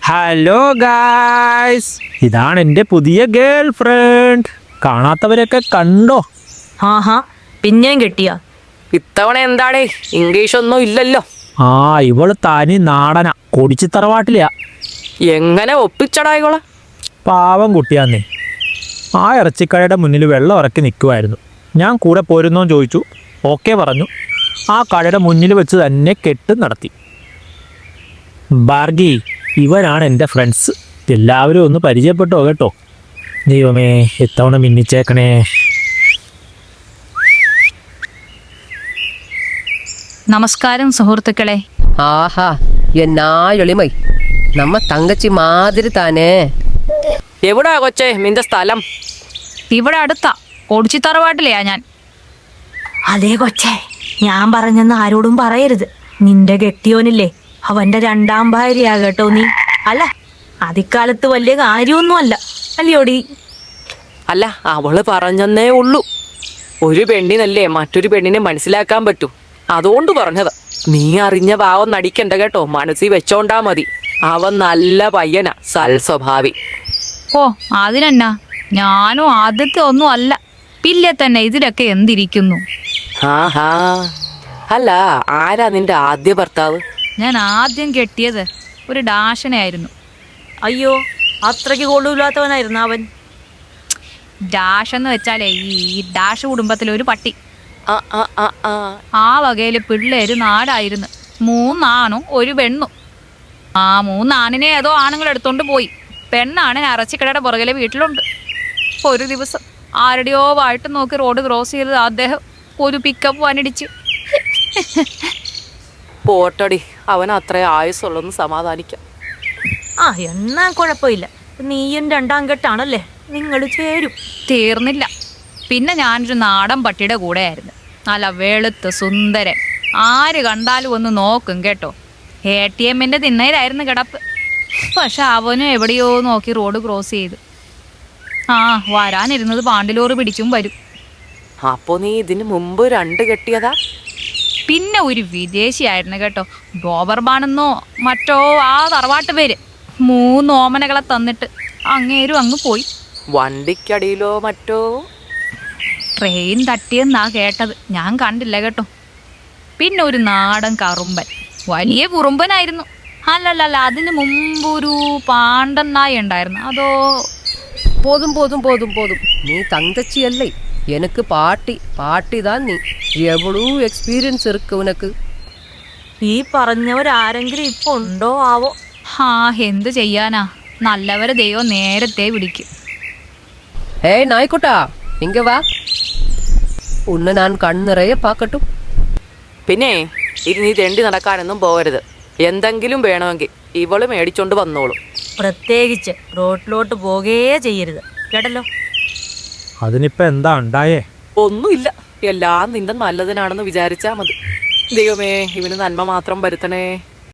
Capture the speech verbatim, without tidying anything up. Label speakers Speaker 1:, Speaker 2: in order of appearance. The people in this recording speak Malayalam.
Speaker 1: ഹലോ ഗായ്സ്, ഇതാണ് എൻ്റെ പുതിയ ഗേൾ ഫ്രണ്ട്. കാണാത്തവരൊക്കെ കണ്ടോ?
Speaker 2: ആഹാ, പിന്നെയും കിട്ടിയ
Speaker 3: ഇത്തവണ എന്താടേ ഇംഗ്ലീഷ് ഒന്നും ഇല്ലല്ലോ.
Speaker 1: ആ, ഇവള് തനി നാടന, കൊടിച്ചി തറവാട്ടിലെയാ.
Speaker 3: എങ്ങനെ ഒപ്പിച്ചടാ ഇവളെ?
Speaker 1: പാവം കുട്ടിയാന്നേ. ആ ഇറച്ചിക്കടയുടെ മുന്നിൽ വെള്ളം ഇറക്കി നിൽക്കുമായിരുന്നു. ഞാൻ കൂടെ പോരുന്നോന്ന് ചോദിച്ചു, ഓക്കെ പറഞ്ഞു. ആ കടയുടെ മുന്നിൽ വെച്ച് തന്നെ കെട്ട് നടത്തി. ബാർഗി, ഇവനാണ് എൻ്റെ ഫ്രണ്ട്സ്. എല്ലാവരും ഒന്ന് പരിചയപ്പെട്ടോ കേട്ടോ. ദൈവമേ, ഇത്തവണ മിന്നിച്ചേക്കണേ.
Speaker 2: നമസ്കാരം സുഹൃത്തുക്കളെ.
Speaker 4: ஆஹா, എന്നാ എളിമൈ, നമ്മ തങ്കച്ചി മാതിരി താനേ.
Speaker 3: എവിടാ കൊച്ചേ നിന്റെ സ്ഥലം?
Speaker 2: ഇവിടെ അടുത്താ, കൊടിച്ചി തറവാട്ടിലെയാ ഞാൻ.
Speaker 5: അതേ കൊച്ചേ, ഞാൻ പറഞ്ഞെന്ന് ആരോടും പറയരുത്. നിന്റെ കെട്ടിയോനില്ലേ, അവന്റെ രണ്ടാം ഭാര്യയാ കേട്ടോ നീ. അല്ല, അതിക്കാലത്ത് വലിയ കാര്യമൊന്നും അല്ല, അല്ലയോടി?
Speaker 3: അല്ല, അവള് പറഞ്ഞെന്നേ ഉള്ളൂ. ഒരു പെണ്ണിനല്ലേ മറ്റൊരു പെണ്ണിനെ മനസ്സിലാക്കാൻ പറ്റൂ, അതുകൊണ്ട് പറഞ്ഞത്. നീ അറിഞ്ഞ ഭാവം നടിക്കണ്ട കേട്ടോ, മനസ്സിൽ വെച്ചോണ്ടാ മതി. അവൻ നല്ല പയ്യനാ, സൽസ്വഭാവി.
Speaker 2: ഓ, അതിനെന്നാ, ഞാനും ആദ്യത്തെ ഒന്നും അല്ല. പിന്നെ തന്നെ ഇതിലൊക്കെ എന്തിരിക്കുന്നു.
Speaker 3: ആഹാ, അല്ല, ആരാ നിന്റെ ആദ്യ ഭർത്താവ്?
Speaker 2: ഞാൻ ആദ്യം കെട്ടിയത് ഒരു ഡാഷനായിരുന്നു.
Speaker 5: അയ്യോ, അത്രയ്ക്ക് കൊള്ളൂല്ലാത്തവനായിരുന്നു അവൻ.
Speaker 2: ഡാഷ് എന്ന് വെച്ചാലേ ഈ ഡാഷ് കുടുംബത്തിലെ ഒരു പട്ടി.
Speaker 3: ആ ആ ആ ആ
Speaker 2: ആ വകയില് പിള്ളേര് നാടായിരുന്നു. മൂന്നാണും ഒരു പെണ്ണും. ആ മൂന്നാണിനെ ഏതോ ആണുങ്ങൾ എടുത്തോണ്ട് പോയി. പെണ്ണാണ് അറച്ചിക്കടയുടെ പുറകിലെ വീട്ടിലുണ്ട്. ഒരു ദിവസം ആരുടെയോ വായിട്ട് നോക്കി റോഡ് ക്രോസ് ചെയ്ത് അദ്ദേഹം ഒരു പിക്കപ്പ് വനിടിച്ച്.
Speaker 3: പോട്ടടി, അവൻ അത്ര ആയുസുള്ളൊന്ന് സമാധാനിക്കാം.
Speaker 5: ആ, എന്നാ കുഴപ്പമില്ല. നീയും രണ്ടാം കെട്ടാണല്ലേ, നിങ്ങൾ ചേരും.
Speaker 2: തീർന്നില്ല. പിന്നെ ഞാനൊരു നാടൻ പട്ടിയുടെ കൂടെയായിരുന്നു. നല്ല വെളുത്ത് സുന്ദരൻ. ആര് കണ്ടാലും ഒന്ന് നോക്കും കേട്ടോ. എ ടി എമ്മിൻ്റെ തിണ്ണയിലായിരുന്നു കിടപ്പ്. പക്ഷെ അവനും എവിടെയോ നോക്കി റോഡ് ക്രോസ് ചെയ്തു. ആ, വരാനിരുന്നത് പാണ്ടിലോറ് പിടിച്ചും വരും.
Speaker 3: അപ്പോ നീ ഇതിന് മുമ്പ് രണ്ട് കെട്ടിയതാ?
Speaker 2: പിന്നെ ഒരു വിദേശിയായിരുന്നു കേട്ടോ, ഡോബർബാണെന്നോ മറ്റോ ആ തറവാട്ട് പേര്. മൂന്ന് ഓമനകളെ തന്നിട്ട് അങ്ങേരും അങ്ങ് പോയി.
Speaker 3: വണ്ടിക്കടിയിലോ മറ്റോ?
Speaker 2: ട്രെയിൻ തട്ടിയെന്നാ കേട്ടത്, ഞാൻ കണ്ടില്ല കേട്ടോ. പിന്നെ ഒരു നാടൻ കറുമ്പൻ, വലിയ കുറുമ്പനായിരുന്നു. അല്ലല്ല, അതിന് മുമ്പ് ഒരു പാണ്ടൻ നായ ഉണ്ടായിരുന്നു. അതോ
Speaker 4: போதும் போதும் போதும் போதும், நீ தங்கச்சி அல்லை, எனக்கு பாட்டி. பாட்டி தான் നീ. എവളൂ എക്സ്പീരിയൻസ് ഇருக்கு ഉനക്ക്.
Speaker 5: ഈ പറഞ്ഞവരാരെങ്കിലും ഇപ്പൊ ഉണ്ടോ ആവോ?
Speaker 2: ആ, എന്ത് ചെയ്യാനാ, നല്ലവരെ ദൈവം നേരത്തെ പിടിക്കും.
Speaker 4: ഏയ് നായ്ക്കുട്ടാ, ഇങ്ങ വാ, ഉന്നെ ഞാൻ കണ്ണിറയെ പാക്കട്ടും.
Speaker 3: പിന്നെ ഇനി നീ തെണ്ടി നടക്കാനൊന്നും പോകരുത്. എന്തെങ്കിലും വേണമെങ്കിൽ ഇവള് മേടിച്ചോണ്ട് വന്നോളും.
Speaker 5: പ്രത്യേകിച്ച് റോട്ടിലോട്ട് പോകുകയേ ചെയ്യരുത്, കേട്ടല്ലോ?
Speaker 1: അതിനിപ്പോൾ എന്താ ഉണ്ടായേ?
Speaker 3: ഒന്നുമില്ല, എല്ലാം നിന്റെ നല്ലതിനാണെന്ന് വിചാരിച്ചാ മതി. ദൈവമേ, ഇവന് നന്മ മാത്രം വരുത്തണേ.